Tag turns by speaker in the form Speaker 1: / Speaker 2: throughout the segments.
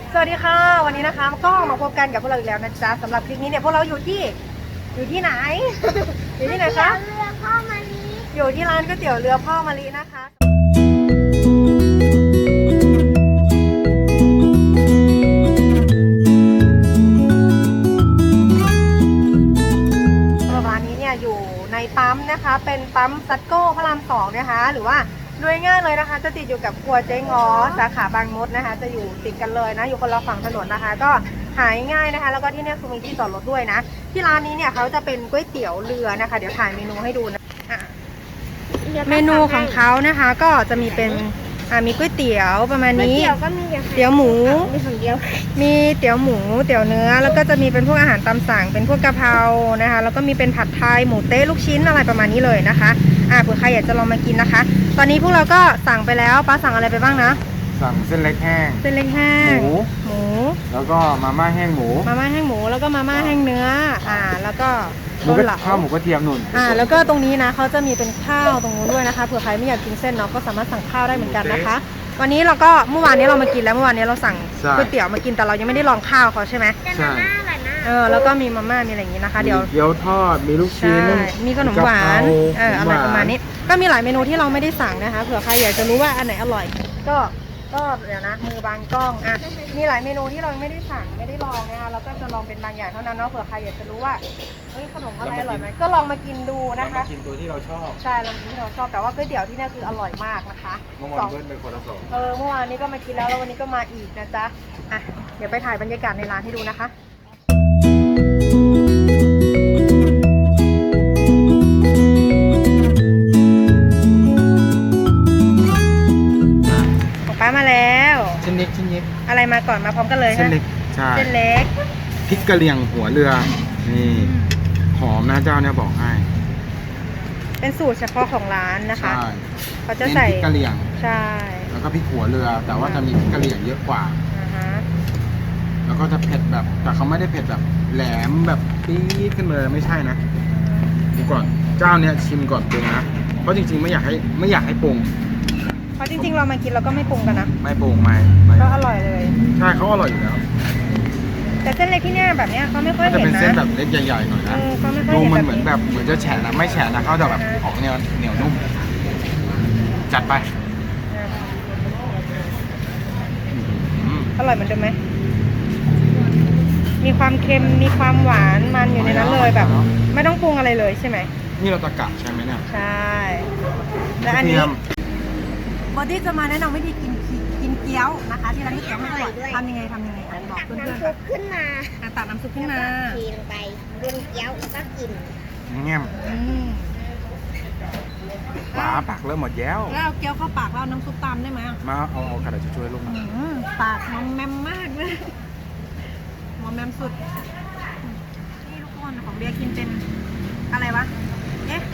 Speaker 1: สวัสดีค่ะวันนี้นะคะก็มาพบกันกับพวกเราอีกแล้วนะจ๊ะสำหรับคลิปนี้เนี่ยพวกเราอยู่ที่ไหน อยู่ที่ไหนคะ
Speaker 2: เรือพ่อมาลี
Speaker 1: อยู่ที่ร้านก๋วยเตี๋ยวเรือพ่อมะลินะคะร้านนี้เนี่ยอยู่ในปั๊มนะคะเป็นปั๊มซัตโก้พระราม2นะคะหรือว่าโดยง่ายเลยนะคะจะติดอยู่กับครัวเจ๊ง้อสาขาบางมดนะคะจะอยู่ติดกันเลยนะอยู่คนละฝั่งถนนนะคะก็หายง่ายนะคะแล้วก็ที่นี่คือมีที่จอดรถด้วยนะที่ร้านนี้เนี่ยเขาจะเป็นก๋วยเตี๋ยวเรือนะคะเดี๋ยวถ่ายเมนูให้ดูนะเมนูของเขานะคะก็จะมีเป็นมีก๋วยเตี๋ยวประมาณนี้เตี๋ยวหมู
Speaker 2: มีของเดียว
Speaker 1: มีเตี๋ยวหมูเตี๋ยวเนื้อแล้วก็จะมีเป็นพวกอาหารตามสั่งเป็นพวกกะเพรานะคะแล้วก็มีเป็นผัดไทยหมูเต๊ะลูกชิ้นอะไรประมาณนี้เลยนะคะเผื่อใครอยากจะลองมากินนะคะตอนนี้พวกเราก็สั่งไปแล้วป้าสั่งอะไรไปบ้างนะ
Speaker 3: สั่งเส้นเล็กแห้ง
Speaker 1: เส้นเล็กแห้งหมู
Speaker 3: แล้วก็มาม่าแห้งหมู
Speaker 1: แล้วก็มาม่าแห้งเนื้อแล้วก็
Speaker 3: ข้าวหมูกระเทียมนุ่น
Speaker 1: แล้วก็ตรงนี้นะเขาจะมีเป็นข้าวตรงนู้นด้วยนะคะเผื่อใครไม่อยากกินเส้นเนาะก็สามารถสั่งข้าวได้เหมือนกันนะคะวันนี้เราก็เมื่อวานนี้เรามากินแล้วเมื่อวานนี้เราสั่งก๋วยเตี๋ยวมากินแต่เรายังไม่ได้ลองข้าวเขาใช่ไหม
Speaker 2: ใช่
Speaker 1: แล้วก็มีมาม่ามีอะไรอย่างนี้นะคะเดี๋ยว
Speaker 3: เกี๊ยวทอดมีลูกชิ้น
Speaker 1: มีขนมหวานอะไรประมาณนี้ก็มีหลายเมนูที่เราไม่ได้สั่งนะคะเผื่อใครอยากจะรู้ว่าอันไหนอร่อยก็เดี๋ยวนะมือบางกล้องมีหลายเมนูที่เราไม่ได้สั่งไม่ได้ลองนะคะเราก็จะลองเป็นบางอย่างเท่านั้นเนาะเผื่อใครอยากจะรู้ว่าขนมอะไรอร่อยไหมก็ลองมากินดูนะคะ
Speaker 3: กินตัวที่เราชอบ
Speaker 1: ใช่ลองกินที่เราชอบแต่ว่าก๋วยเตี๋ยวที่นี่คืออร่อยมากนะคะ
Speaker 3: เมื่อวานเป็นคนละสอง
Speaker 1: เมื่อวานนี้ก็มากินแล้ววันนี้ก็มาอีกนะจ๊ะเดี๋ยวไปถ่ายบรรยากาศในร้านให้ดูนะคะป้ามาแล้ว
Speaker 3: ชิ้นเล็ก
Speaker 1: อะไรมาก่อนมาพร้อมกันเลย
Speaker 3: เส้นเล็กใช่
Speaker 1: เส้นเล็ก
Speaker 3: พริกกะเหรี่ยงหัวเรือนี่หอมนะเจ้าเนี่ยบอกให้
Speaker 1: เป็นสูตรเฉพาะของร้านนะคะ
Speaker 3: ใช่
Speaker 1: เขาจะใส่
Speaker 3: พริกกะเหรี่ยง
Speaker 1: ใช่
Speaker 3: แล้วก็พริกหัวเรือแต่ว่าจะมีพริกกะเหรี่ยงเยอะกว่าแล้วก็จะเผ็ดแบบแต่เขาไม่ได้เผ็ดแบบแหลมแบบปี๊ดขึ้นเลยไม่ใช่นะดูก่อนเจ้าเนี่ยชิมก่อนปรุงนะเพราะจริงๆไม่อยากให้ปรุง
Speaker 1: เพราะจริงๆเรามากินเราก็ไม่ปรุงกันนะ
Speaker 3: ไม่ปรุงไม่
Speaker 1: ก็อร่อยเลย
Speaker 3: ใช่เขาอร่อยอยู่แล้ว
Speaker 1: แต่เส้นเล็กที่เนี่ยแบบเนี้ยเขาไม่ค่อยเห็นนะ
Speaker 3: จะเป็นเส้นแบบเล็กใหญ่ๆหน่อยนะดูมันเหมือนจะแฉะนะไม่แฉะนะเขาจะแบบออกเหนียวนุ่มจัดไป
Speaker 1: อร่อยเหมือนเดิมไหมมีความเค็มมีความหวานมันอยู่ในนั้นเลยแบบไม่ต้องปรุงอะไรเลยใช่ไหม
Speaker 3: นี่เราตะกะใช่ไหมเนี่ย
Speaker 1: ใช่และอันนี้บอดี้จะมาแนะนำวิธีกินเกี๊ยวนะคะที่ร้านก๋วยเตี๋ยวไม่อร่อยทำยังไงบอกเพื่อนๆ
Speaker 2: น้ำซุปขึ้นมา
Speaker 1: ตักน้ำซุปขึ้นมา
Speaker 2: ทีลงไปบนเกี๊ยวแล้วก็กิน
Speaker 3: เงี้ยปลาปากเริ่มหมดแล้ว
Speaker 1: เอาเกี๊ยวเข้าปากแล้วน้ำซุปตามได้ไหม
Speaker 3: มาเอากระดาษช่วยลงมา
Speaker 1: ปากมอมแมมมากเลยมอมแมมสุดนี่ทุกคนของเบียร์กินเป็นอะไรวะเอ๊ะ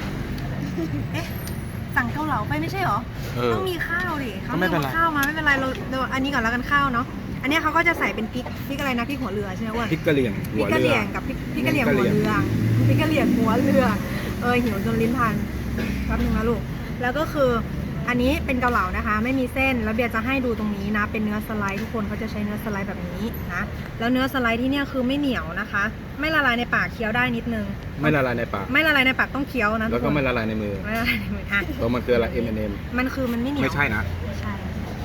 Speaker 1: สั่งเกาเหลาไปไม่ใช่หรอต้องมีข้าวดิเขาไม่เอาข้าวมาไม่เป็นไรเราอันนี้ก่อนแล้วกันข้าวเนาะอันนี้เขาก็จะใส่เป็นพริกอะไรนะพริกหัวเรือใช่ไหมว่า
Speaker 3: พริกกะเหรี่ยง
Speaker 1: หัวเรือกับพริกกะเหรี่ยงหัวเรือพริกกะเหรี่ยงหัวเรือหิวจนลิ้นพันแป๊บนึงนะลูกแล้วก็คืออันนี้เป็นเกาเหลานะคะไม่มีเส้นแล้วเบียร์จะให้ดูตรงนี้นะเป็นเนื้อสไลด์ทุกคนเขาจะใช้เนื้อสไลด์แบบนี้นะแล้วเนื้อสไลด์ที่เนี่ยคือไม่เหนียวนะคะไม่ละลายในปากเคี้ยวได้นิดนึง
Speaker 3: ไม่ละลายในปาก
Speaker 1: ต้องเคี้ยวนะ
Speaker 3: แล้วก็ไม่ละลายในมือเพราะมันคืออะไร M&M
Speaker 1: มันคือมันไม่เหนียว
Speaker 3: ไม่ใช่นะ
Speaker 1: ไม่ใช่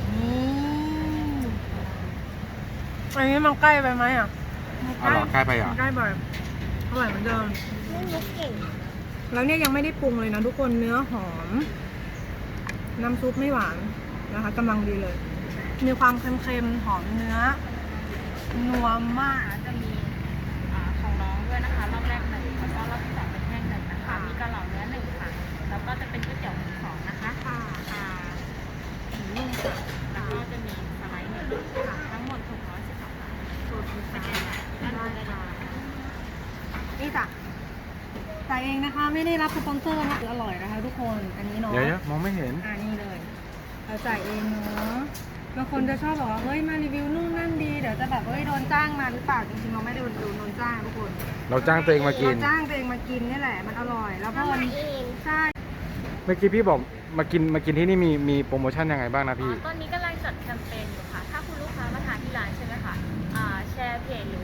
Speaker 1: อันนี้มันใกล้ไปไหม
Speaker 3: ใกล้ไป
Speaker 1: ใกล้ไปอร่อยเหมือนเดิม
Speaker 2: ไม่มุกเก่ง
Speaker 1: แล้วเนี่ยยังไม่ได้ปรุงเลยนะทุกคนเนื้อหอมน้ำซุปไม่หวานนะคะกำลังดีเลยมีความเค็มๆหอมเนื้อนัวมาก
Speaker 4: จะมีของน้องด้วยนะคะรอบแรก1แล้วก็รอบที่2เป็นแห้ง1นะคะมีกะเหล่าเนื้อ1ค่ะแล้วก็จะเป็นก๋วยเตี๋ยวหมู2นะคะหมูนุ่มค่ะแล้วก็จะมีสไลด์1ค่ะทั้งหมด612 บาทสูตรสแกนได้ค่ะ
Speaker 1: นี่จ้ะจ่ายเองนะคะไม่ได้รับสปอนเซอร์นะคืออร่อยนะคะทุกคนอันนี้เนาะ
Speaker 3: เดี๋ยวมองไม่เห็น
Speaker 1: นี่เลยเราจ่ายเองเนาะบางคนจะชอบบอกว่าเฮ้ยมารีวิวนู่นนั่นดีเดี๋ยวจะแบบโดนจ้างมาหรือเปล่าจริงๆเราไม่ได้โดนจ้างทุกคน
Speaker 3: เราจ้างตัวเองมากิน
Speaker 1: นี่แหละมันอร่อยแล้วพอวันใช่
Speaker 3: เมื่อกี้พี่บอกมากินที่นี่มีโปรโมชั่นยังไงบ้างนะพี่
Speaker 4: ตอนนี้กำลังจัดแคมเปญอยู่ค่ะถ้าคุณลูกค้ามาทานที่ร้านใช่ไหมคะ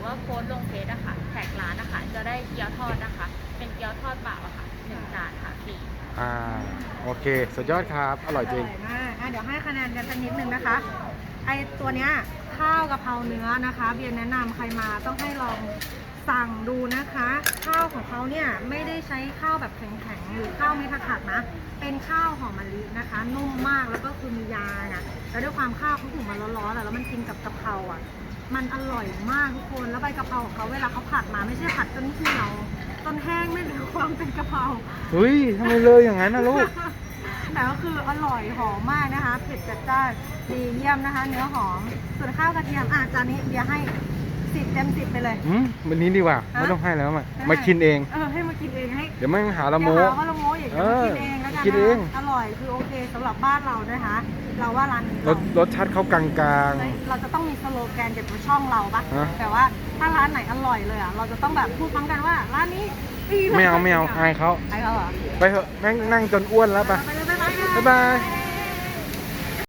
Speaker 4: ว่าโพสต์ลงเฟซอะค่ะแท็กร้านนะคะจะได้เกี๊ยวทอดนะคะ เป็นเกี๊ยวทอดเปล่าอะค่ะ1 จานค่ะฟรี
Speaker 3: โอเคสุดยอดครับ อร่อยจริง
Speaker 1: อร่อยมากเดี๋ยวให้คะแนนกันสักนิดนึงนะคะ ไอตัวเนี้ยข้าวกะเพราเนื้อนะคะ เบียร์แนะนำใครมาต้องให้ลองสั่งดูนะคะ ข้าวของเขาเนี่ยไม่ได้ใช้ข้าวแบบแข็งๆหรือข้าวไม่ผัดนะ เป็นข้าวหอมมะลินะคะ นุ่มมากแล้วก็คือมียาน่ะแล้วด้วยความข้าวเขาหุงมาร้อนๆแล้วมันกินกับกะเพราอ่ะ มันอร่อยมากทุกคนแล้วใบกะเพราของเขาเวลาเขาผัดมาไม่ใช่ผัดจนเหี่ยวจนแห้งไม่เหลือความเป็นกะเพรา
Speaker 3: เฮ้ยทำไมเลยอย่างนั้นนะลูก
Speaker 1: แต่ก็คืออร่อยหอมมากนะคะเผ็ดจัดจ้านดีเยี่ยมนะคะ เนื้อหอมส่วนข้าวกระเทียมจานนี้เบียร์ให้10 เต็ม 10ไปเลย
Speaker 3: วันนี้ดีกว่า ไม่ต้องให้แล้วมากินเอง
Speaker 1: ให้มากินเองให้
Speaker 3: เดี๋ยวไม่หาละโม
Speaker 1: เดี๋ยวหาว่าละโมอย่างเดียวมากินเองแล้วกัน
Speaker 3: กินเอง
Speaker 1: อร่อยคือโอเคสำหรับบ้านเรานะคะ เราว่าร้านนี้
Speaker 3: รสชาติเขากลาง
Speaker 1: เราจะต้องมีสโลแกนเด็ดของช่องเราปะ
Speaker 3: ฮะ
Speaker 1: แต่ว่าถ้าร้านไหนอร่อยเลยอ่ะเราจะต้องแบบพูดพร้อมกันว่าร้านนี้ดี
Speaker 3: ๆไม่เอาอายเขา
Speaker 1: ไอ้เขาเหรอ
Speaker 3: ไปเถอะนั่งจนอ้วนแล้วไป
Speaker 1: ไปเลยบ๊ายบาย
Speaker 3: บ๊ายบาย